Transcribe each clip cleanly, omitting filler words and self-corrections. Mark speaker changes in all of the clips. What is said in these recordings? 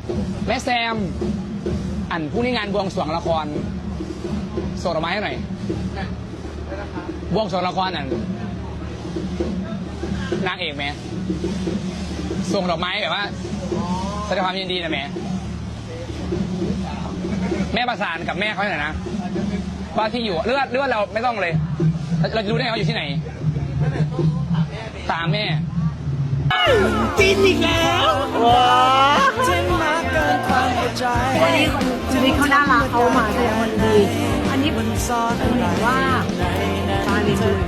Speaker 1: แม่แซมอันผู้นี้งานบวงสรวงละครส่งดอกไม้ให้หน่อยบวงสรวงละครอันนางเอกไหมส่งดอกไม้แบบว่าแสดงความยินดีนะแม่แม่ประสานกับแม่เขาหน่อยนะว่าที่อยู่เลือดเราไม่ต้องเลยเราจะรู้ได้เขาอยู่ที่ไหนตามแม่กินอีกแล้ว
Speaker 2: วันนี้ชีวิตเขาน่ารักเขามาแสดงวันดีอันนี้มันซ้อนว่าตาลีบุญ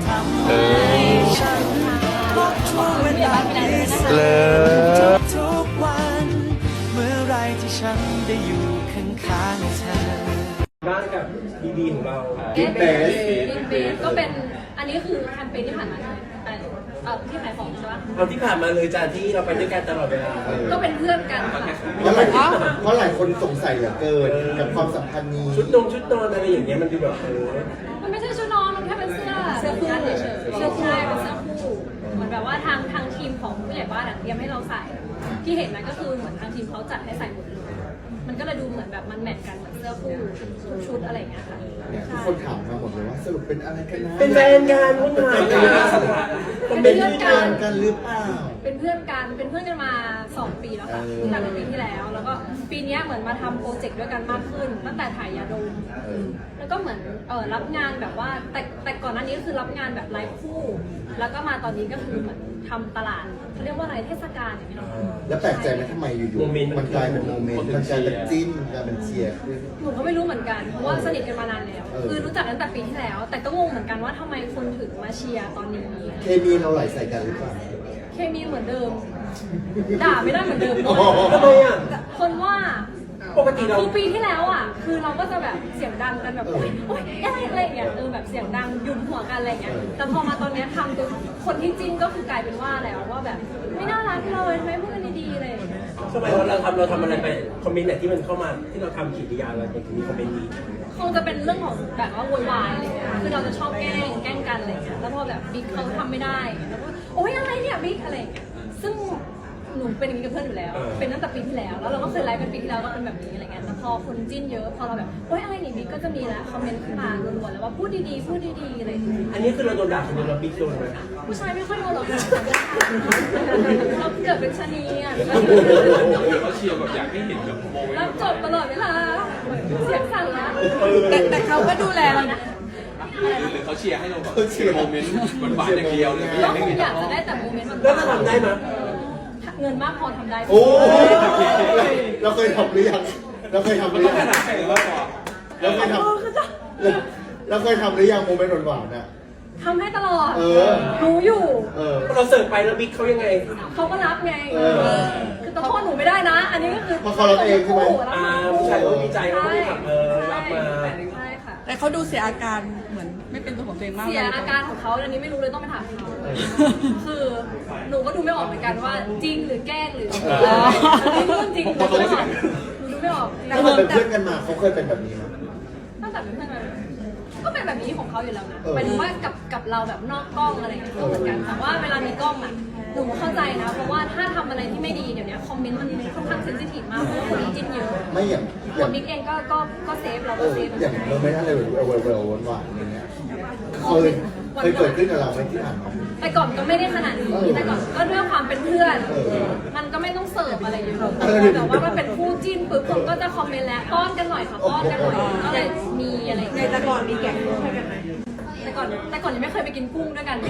Speaker 3: เลยทุกวันเมื่อไรที่ฉันได้อยู่ข้างๆเธอบ้านกับบีของเรา
Speaker 4: กินเบสก็เป็นอันนี้คือแคมเปญที่ผ่านมาแต่ที่ขายของใช่ปะ
Speaker 3: เอาที่ผ่านมาเลยจ้าที่เราไปด้วยกันตลอดเวลา
Speaker 4: ก็เป็นเพื่อนกัน
Speaker 5: เพราะหลายคนสงสัยเหลือเกินกับความสัมพันธ์นี้
Speaker 3: ชุดนอนอะไรอย่างเงี้ยมันดูแบบ
Speaker 4: มันไม่ใช่ชุดนอนมันแค่เป็นเสื้อคู่เฉยๆเสื้อคู่เป็นเสื้อคู่เหมือนแบบว่าทางทีมของผู้ใหญ่บ้านเตรียมให้เราใส่ที่เห็นนั้นก็คือเหมือนทางทีมเขาจัดให้ใส่หมดเลยมันก็เลยดูเหมือนแบบมันแมทกันเหมือนเสื้อคู่ชุดอะไรอย่างเงี้ยค่ะ
Speaker 5: ทุกคนถามมาหมดเลยว่าสรุปเป็นอะไรกันนะ
Speaker 3: เป็นแฟนกันวุ่นวาย
Speaker 4: เป็นเพื่อน
Speaker 5: กันหรือเปล่า
Speaker 4: เป็นเพื่อนกันมา2 ปีแล้วค่ะตั้งแต่ปีที่แล้วแล้วก็ปีนี้เหมือนมาทำโปรเจกต์ด้วยกันมากขึ้นตั้งแต่ถ่ายยาดมแล้วก็เหมือนรับงานแบบว่าแต่ก่อนหน้านี้ก็คือรับงานแบบไลฟ์คู่แล้วก็มาตอนนี้ก็คือเหมือนทำตลาดเขาเรียกว่าอะไรเทศกาลอย่างเงี้ย
Speaker 5: แล้วแปลกใจไหมทำไมอยู่ๆมันกลายเป็นโมเมนต์มันกลายเป็นจิ้นกลายเป็นเชียร์
Speaker 4: หนูก็ไม่รู้เหมือนกันเพราะว่าสนิทกันมานานแล้วคือรู้จักตั้งแต่ปีที่แล้วแต่ก็งงเหมือนกันว่าทำไมคนถึงมาเชียร์ตอนนี้
Speaker 5: เคมีเราไหลใส่กันหรือเปล่า
Speaker 4: เคมีเหมือนเดิมด่าไม่ได้เหมือนเดิม
Speaker 3: ทำไมอ่ะ
Speaker 4: คนว่า
Speaker 3: ปกติเรา
Speaker 4: ปีที่แล้วอ่ะคือเราก็จะแบบเสียงดังกันแบบโอ๊ยอะไรอย่างเงี้ยแบบเสียงดังยุ่มหัวกันอะไรอย่างเงี้ยแต่พอมาตอนนี้ทำตัวคนที่จิ้นก็คือกลายเป็นว่าแล้วว่าแบบไม่น่ารักเลยทำไมพูดกันดีๆเลย
Speaker 3: ทำไมเราทำอะไรไปคอมเมนต์ไหนที่มันเข้ามาที่เราทำกิจยาอะไรถึงมีคอมเมนต์นี้
Speaker 4: คงจะเป็นเรื่องของแบบว่าโวยวายอะไรเงี้ยคือเราจะชอบแกล้งกันอะไรเงี้ยแล้วพอแบบบิ๊กเขาทำไม่ได้แล้วก็โอ๊ยอะไรเนี่ยบิ๊กอะไรเงี้ยซึ่งหนูเป็นอย่างนี้กับเพื่อนอยู่แล้วเป็นตั้งแต่ปีที่แล้วแล้วเราก็เคยไลฟ์เป็นปีที่แล้วก็เป็นแบบนี้อะไรเงี้ยแต่พอคนจิ้นเยอะพอเราแบบโอ๊ยอะไรนี่บิ๊กก็จะมีแล้วคอมเมนต์ขึ้นมาล้วนๆแล้วว่าพูดดีๆอะไร
Speaker 3: อันนี้คือเราโดนด่าคนเดียวเราบิ๊กโดนไหม
Speaker 4: ผู้ชายไม่ค่อยโดนหรอกเราเกิดเป็นชะนีอ่ะ
Speaker 6: เขาเชียร์แบบอยากให้เห็นแบบโมเมนต์
Speaker 4: รับจบตลอดเวลาเสียงสั่นละ
Speaker 2: แต่เขาก็ดูแลเรานะ
Speaker 6: หรือเขาเชียร์ให้เราแบบโมเมนต์หวานๆอย่างเดียวเลยไม่อยากให้เห็น
Speaker 4: อยากจะได้แต่โมเมนต์มัน
Speaker 3: แล้วจะทำได้ไหม
Speaker 4: เงินมากพอทำได้
Speaker 5: โอ้เราเคยทำหรือยังเราเคยทำหรือยังเราเคยทำหรือยังโมเมนต์หวานๆน่ะ
Speaker 4: ทำให้ตลอดรู้อยู่
Speaker 3: เราเสิร์ฟไปแล้วบิ๊กเขายังไง
Speaker 4: เขาก็รับไงคือต้องโทษหนูไม่ได้นะอันนี้ก็คือ
Speaker 5: พอเขารับเองใช่ไหม
Speaker 3: ผู้ชายเขาดีใจเขาไม่ทำรับมา
Speaker 4: ใช่ค่ะ
Speaker 2: แต่เขาดูเสียอาการเหมือนไม่เป็นตัวของตัวเองมาก
Speaker 4: เสียอาการของเขาอันนี้ไม่รู้เลยต้องไปถามเขาคือหนูก็ดูไม่ออกเหมือนกันว่าจริงหรือแกล้งหรือไม่รู้จริงหรือไม่ออกหนูดูไม่ออก
Speaker 5: แต่เป็นเพื่อนกันมาเขาเคยเป็นแบบนี้ไหม
Speaker 4: ตั้งแต่เป็นเพื่อนกันก็เป็นแบบนี้ของเขาอยู่แล้วนะหมายถึงว่ากับเราแบบนอกกล้องอะไรอย่างเงี้ยก็เหมือนกันแต่ว่าเวลามีกล้องอ่ะหนูเข้าใจนะเพราะว่าถ้าทำอะไรที่ไม่ดีเดี๋ยวนี้คอมเมนต์มันค่อนข้างเซนซิทีฟมากเพราะว่าคนนี้จิ้นเยอะ
Speaker 5: ไม่อย่าง
Speaker 4: คนบิ๊กเองก็เซฟเราก็เซฟ
Speaker 5: อย่างเราไม่ได้เลยเวลหวานๆอย่างเงี้ยเคยเกิดขึ้นกับเราไหมที่ผ่านมา
Speaker 4: แต่ก่อนก็ไม่ได้ขนาดนี้แต่ก่อนก็ด้วยความเป็นเพื่อนมันก็ไม่ต้องเสิร์ฟอะไรเยอะแต่ว่ามันเป็นคู่จิ้นปุ๊บผมก็จะคอมเมนต์แล้วป้อนกันหน่อยค่ะป้อนกันหน่อยก็เลยมีอะไรใน
Speaker 2: แต่ก่อนมีแกงกุ้งให้กันไหม
Speaker 4: แต่ก่อนยังไม่เคยไปกินกุ้งด้วยกัน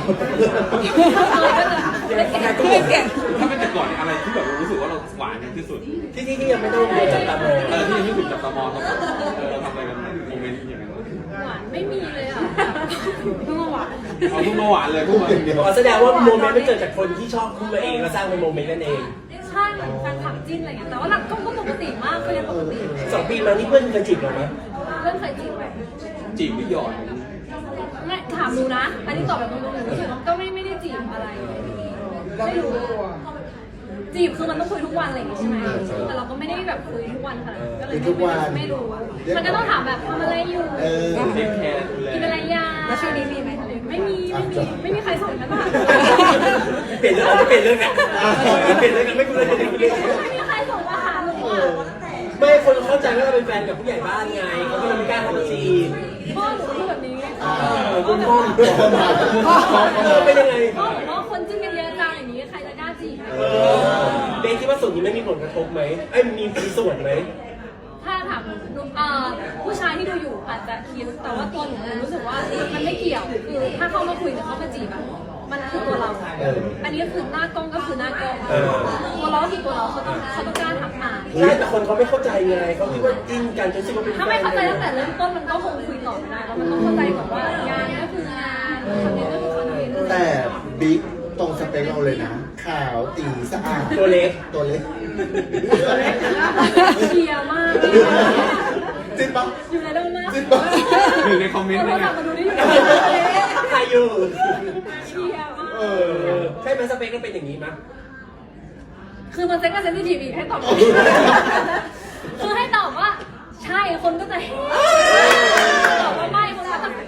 Speaker 2: เคยแกง
Speaker 6: ถ้าเป็นแต่ก่อนอะไรที่แบบรู้สึกว่าเราหวานที่สุด
Speaker 3: ที่ยังไม่ต้องจับตามอง
Speaker 6: ที่ยังไม่ถูกจับตามองเราทำอะไรกันโมเมนต์อย่างนั้น
Speaker 4: หวานไม่มีเลยอ่ะเพิ่งมาหวาน
Speaker 6: เอาเพิ่งมาหวานเลยเพิ่งมา
Speaker 3: แสดงว่าโมเมนต์มันเกิดจากคนที่ชอบขึ้นมาเองแล้วสร้างเป็นโมเมนต์นั่นเอง
Speaker 4: ใช่เหมือนแฟนคลับจิ้นอะไรเงี้ยแต่ว่าหลักก็ปกติมากก็ยังปกติ
Speaker 3: 2 ปีมานี่เพื่อนเคยจีบเราไหม
Speaker 4: เพื่อนเคยจีบไหม
Speaker 6: จีบหรือหยอด
Speaker 4: ไม่ถามดูนะอันนี้ตอบแบบตรงๆหนูรู้สึกว่าก็ไม่ได้จีบอะไรไม่รู้จีบคือมันต้องคุยทุกวันอะไรอย่างงี้ใช่ไหมแต่เราก็ไม่ได้แบบคุยทุกวันค่ะก็เลยไม่รู้มันก็ต้องถามแบบทำอะไรอยู่กินอะไรยา
Speaker 2: แล้วช่วงนี้มีไหม
Speaker 4: ไม่มีใครส่งฉันมา
Speaker 3: เปลี่ยนเรื่องไงไม่คุยเลย
Speaker 4: ไม่มีใครส่งมาหาหนู
Speaker 3: คนเข้าใจว่าเราเป็นแฟนกับผู้ใหญ่บ้านไงเขาก็เลยไม่กล้าเข้ามาจีบ
Speaker 4: พ่อหนูพูดแบบนี้ไง
Speaker 3: คุณพ่อเป็นยังไง
Speaker 4: พ่อบอกว่าคนจิ้นกันเยอะจังอย่างนี้ใครจะกล้าจีบ
Speaker 3: เบสคิดว่าส่วนนี้ไม่มีผลกระทบไหมไอ้มีส่วนไหม
Speaker 4: ถ้าถามหนูผู้ชายที่ดูอยู่อาจจะคิดแต่ว่าตัวหนูรู้สึกว่ามันไม่เกี่ยวคือถ้าเข้ามาคุยหรือเข้ามาจีบอะมันคือตัวเราอันนี้ก็คือหน้ากล้องก็คือหน้ากล้องตัวเราก็คือตัวเราเขาต้องกล้าทักมา
Speaker 3: ใช่แต่คนเขาไม่เข้าใจไงเขาคิดว่าจิ้นกันจนคิดว่าเป็นแฟน
Speaker 4: ถ้าไม่เข้าใจตั้งแต่เริ่มต้นมันก็คงคุยต่อไม่ได้แล้วมันต้องเข้าใจก่อนว่างานก็คืองานคอนเทนต์ก็คือคอนเทนต์
Speaker 5: แต่บิ๊กตรงสเปคเราเลยนะ ขาวตีสะอาด
Speaker 3: ตัวเล็ก
Speaker 5: ตัวเล็ก
Speaker 4: เชียร์มาก
Speaker 5: จริงปะ
Speaker 4: อยู่ในเรื่องมาก
Speaker 5: จริงปะ
Speaker 6: หนึ่งในคอมเมนต์
Speaker 4: เรา
Speaker 6: เนี่ย
Speaker 4: กลับมาดูได้อยู่ใน
Speaker 3: ใครอยู่
Speaker 4: เชียร์มาก
Speaker 3: ใช่ไหมสเปคก็เป็นอย่างนี้มั้ย
Speaker 4: คือมันเซ็กก็เซนซิทีฟอีกให้ตอบคือให้ตอบว่าใช่คนก็จะเฮ้ตอบว่าไม่คนก็จะ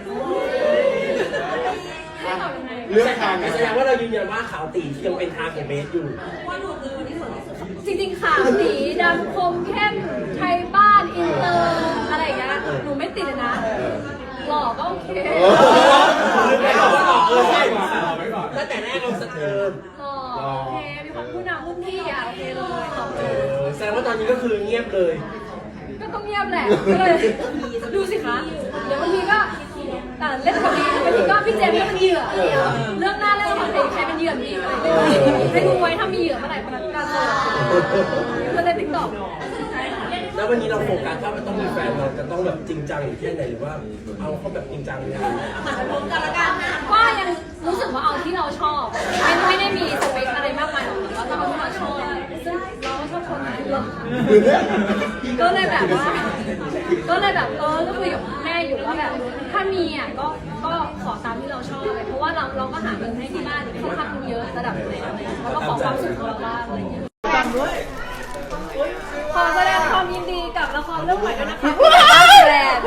Speaker 4: ให้ตอบยังไง
Speaker 5: เลือกทาง
Speaker 3: แสดงว่าเรายืนยันว่าขาวตียังเป็นทางของเบสอยู่
Speaker 4: จริงๆขาวสีดำคมเข้มไทยบ้านอินเตอร์อะไรอย่างเงี้ยหนูไม่ติดเลยนะหล่อก็โอเค
Speaker 3: ใช่ตั้งแต่แรกเราสะเทิม
Speaker 4: หล่อโอเคมีความผู้นำรุ่นพี่อ่ะโอเคเลยตอบเลย
Speaker 3: แสดงว่าตอนนี้ก็คือเงียบเลย
Speaker 4: ก็ต้องเงียบแหละก็เลยดูสิคะเดี๋ยวบางทีก็เล่นกับพี่บางทีก็พี่เจมส์ก็เป็นเหยื่อเรื่องหน้าเรื่องของใครเป็นเหยื่อมีอะไรให้ดูไว้ถ้ามีเหยื่อเมื่อไหร่คนนั้นก็จะก็เลยติ๊กต็อก
Speaker 3: แล้ววันนี้เราโฟกัสว่ามันต้องมีแฟนเราจะต้องแบบจริงจังแค่ไหนหรือว่าเอาเขาแบบจริงจังเลย
Speaker 4: ก็ยังรู้สึกว่าเอาที่เราชอบไม่ได้มีสเปคอะไรมากมายหรอกแต่ว่าเราเอาที่เราชอบซึ่งเราก็ชอบคนนั้นก็เลยแบบว่าก็คุยกับแม่อยู่ว่าแบบถ้ามีอ่ะก็ขอตามที่เราชอบเพราะว่าเราก็หาเงินให้ที่บ้านค่อนข้างเยอะระดับหนึ่งแล้วก็ขอความสุขของเราบ้างอะไรอย่างเงี้ยขอแสดงความยินดีกับละครเรื่องใหม่ด้วยนะคะแบรนด์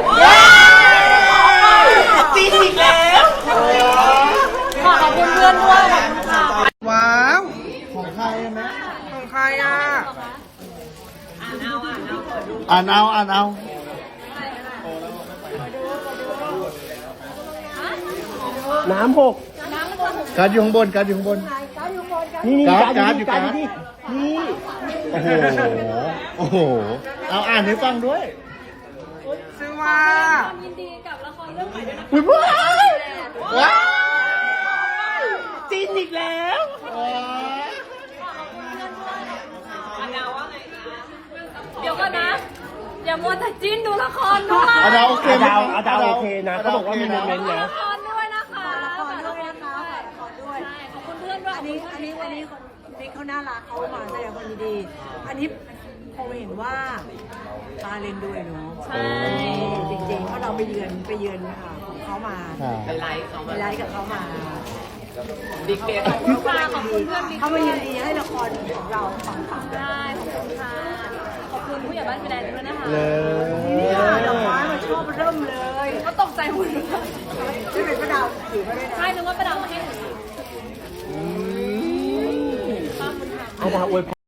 Speaker 4: จีนอีกแล้วขอบคุณเพื่อนด้วยขอบคุณค่ะ
Speaker 5: ว้าว ของใครอะแม่ของใครอ่ะ อ่านเอา
Speaker 3: น้ำหก
Speaker 5: การ์ดอยู่ข้างบนนี่การ์ดอยู่นี่ โอ้โห เอาอ่านให้ฟังด้วย
Speaker 4: ซื้อว่าความยินดีกับละครเรื่องใหม่ด้วยนะคะ
Speaker 5: อุ๊ยว้าวจีนอีกแล้ว
Speaker 4: เดี๋ยวก่อนนะ อย่ามัวแต่จิ้นดูละครด้วย
Speaker 5: อาดาวโอเคไหม
Speaker 3: อาดาวโอเคนะเขาบอกว่ามีโมเมนต์
Speaker 4: ดู
Speaker 3: นะ
Speaker 4: ละครด้วยนะคะ
Speaker 2: ขอด้วยนะคะขอด้วย
Speaker 4: ใช่ขอบคุณเพื่อนด้วย
Speaker 2: อันนี้วันนี้คนบิ๊กเขาน่ารักเขามาแสดงความยินดี อันนี้พอเห็นว่าตาเลนด้วยเนาะ
Speaker 4: ใช่
Speaker 2: จริงๆเพราะเราไปเยือนของเขามาไปไลฟ์กับเขามาบิ๊กเบส
Speaker 4: ขอบคุณค่ะขอบคุณเพื่อนบิ๊ก
Speaker 2: เขามายินดีให้ละครของเราปังๆ
Speaker 4: ได้ขอบคุณค่ะขอบคุณผู้ใหญ่บ้านแบรนด์ด้วยนะคะ
Speaker 2: เนี่ยดอกไม้มันชอบเริ่มเลย
Speaker 4: ก็ตกใจหมดเลย
Speaker 2: ที่เป็นพระดาวถือมาด้วยนะ
Speaker 4: ใช่นึกว่าประดาวมาให้หนูขอบคุณค่ะ
Speaker 3: อาดาวอวยพร